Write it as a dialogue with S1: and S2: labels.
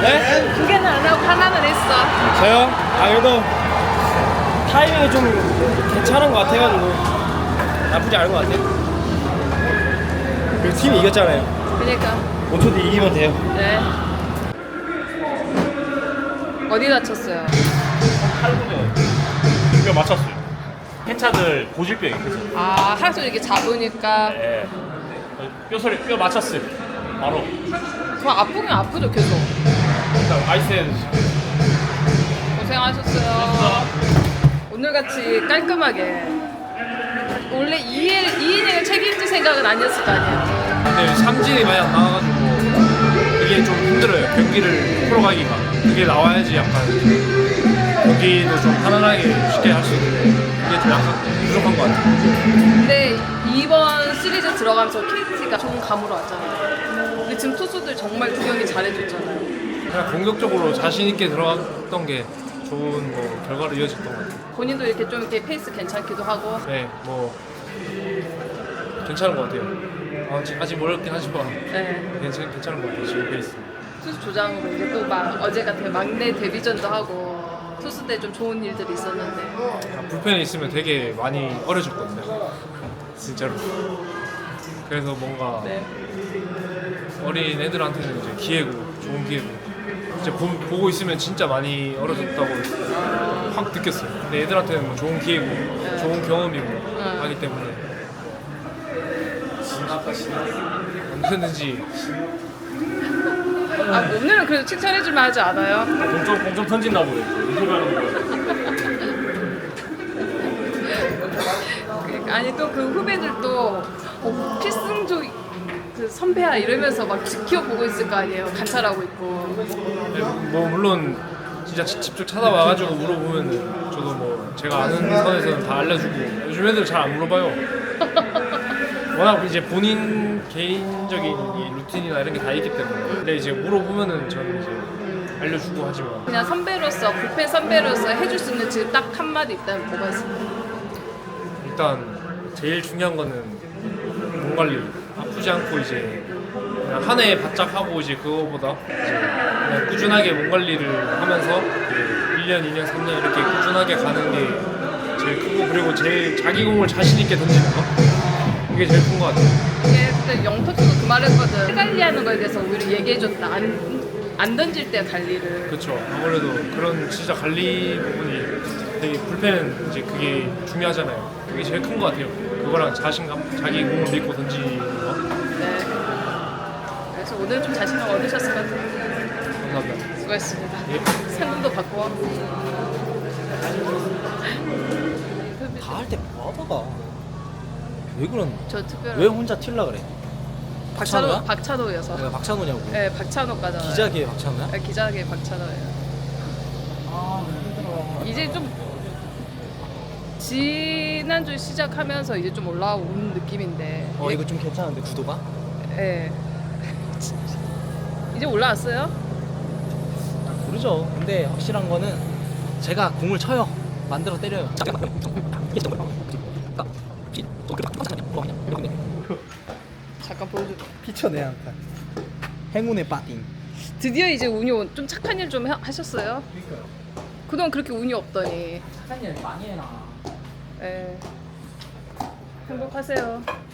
S1: 네?
S2: 두 개는 안 하고 하나는 했어.
S1: 저요? 아 그래도 타이밍이 좀 괜찮은 것 같아가지고 나쁘지 않은 것 같아요. 그리고 팀이 이겼잖아요.
S2: 그러니까.
S1: 5초 뒤에 이기면 돼요.
S2: 네. 어디 다쳤어요?
S3: 팔부에 뼈 맞췄어요. 폐차들 고질병이 있어서.
S2: 아, 하루 종일 이렇게 잡으니까.
S3: 네. 뼈 맞췄어요. 바로.
S2: 그럼 아프긴 아프죠, 계속.
S3: 일단 아이스에
S2: 고생하셨어요. 오늘같이 깔끔하게. 원래 2이닝을 책임질 생각은 아니었을 거 아니에요.
S1: 근데 삼진이 많이 안 나와가지고 이게 좀 힘들어요. 경기를 풀어가기가. 그게 나와야지 약간 경기도 좀 편안하게 쉽게 할 수 있는데 그게 좀 약간 부족한 것 같아요.
S2: 근데 이번 시리즈 들어가면서 KT가 좋은 감으로 왔잖아요. 근데 지금 투수들 정말 두 경기 잘해줬잖아요.
S1: 그냥 공격적으로 자신 있게 들어갔던 게 좋은 뭐 결과로 이어졌던 것 같아요.
S2: 본인도 이렇게 좀 이렇게 페이스 괜찮기도 하고.
S1: 네, 뭐 괜찮은 것 같아요. 아직 모르긴 하지만
S2: 네.
S1: 괜찮은 것 같아요. 지금 페이스.
S2: 투수 조장으로 이제 또 막 어제 같은 막내 데뷔전도 하고 투수 때 좀 좋은 일들이 있었는데.
S1: 불펜에 있으면 되게 많이 어려졌거든요. 진짜로. 그래서 뭔가
S2: 네.
S1: 어린 애들한테는 이제 기회고 좋은 기회고 이제 보고 있으면 진짜 많이 어려졌다고 확 느꼈어요. 근데 애들한테는 뭐 좋은 기회고 좋은 경험이고 하기 때문에 언제든지
S2: 아, 오늘은 그래도 칭찬해줄만 하지 않아요?
S3: 공점 던진다 보네. 인터뷰하는 거.
S2: 아니 또 그 후배들도 필승조 그 선배야 이러면서 막 지켜보고 있을 거 아니에요. 관찰하고 있고.
S1: 뭐 물론 진짜 직접 찾아와가지고 물어보면 저도 뭐 제가 아는 선에서는 다 알려주고 요즘 애들 잘 안 물어봐요. 워낙 이제 본인 개인적인 이 루틴이나 이런 게 다 있기 때문에 근데 이제 물어보면은 저는 이제 알려주고 하지만
S2: 그냥 선배로서 불펜 선배로서 해줄 수 있는 지금 딱 한마디 있다면 뭐가 있습니까?
S1: 일단 제일 중요한 거는 몸 관리 아프지 않고 이제 그냥 한 해 바짝 하고 이제 그거보다 이제 그냥 꾸준하게 몸 관리를 하면서 이제 1년, 2년, 3년 이렇게 꾸준하게 가는 게 제일 크고 그리고 제일 자기 공을 자신 있게 던지는 거 그게 제일 큰 거 같아요.
S2: 이게 그때 영턱도 그 말했거든. 해 관리하는 거에 대해서 오히려 얘기해줬다. 안 던질 때 관리를.
S1: 그렇죠. 아무래도 그런 진짜 관리 부분이 되게 불펜은 이제 그게 중요하잖아요. 그게 제일 큰 거 같아요. 그거랑 자신감, 자기 공을 믿고 던지는 거.
S2: 네. 그래서 오늘 좀 자신감 얻으셨을 것 같아요.
S1: 감사합니다.
S2: 수고했습니다.
S1: 예.
S2: 상금도 받고.
S4: 다 할 때 뭐하다가 왜 그런?
S2: 저 특별한.
S4: 왜 혼자 튈라 그래? 박찬호야?
S2: 박찬호여서.
S4: 내가 박찬호냐고.
S2: 네, 박찬호까잖아요.
S4: 기자계 박찬호야?
S2: 네, 기자계 박찬호예요. 이제 좀 지난주 시작하면서 이제 좀 올라온 느낌인데.
S4: 이거 좀 괜찮은데 구도가?
S2: 예. 이제 올라왔어요?
S4: 모르죠. 근데 확실한 거는 제가 공을 쳐요. 만들어 때려요.
S2: 잠깐 보여줘.
S4: 피쳐내 한판. 행운의 빠띵.
S2: 드디어 이제 운이 좀 착한 일 좀 하셨어요? 그동안 그렇게 운이 없더니.
S4: 착한 일 많이 해놔.
S2: 예. 행복하세요.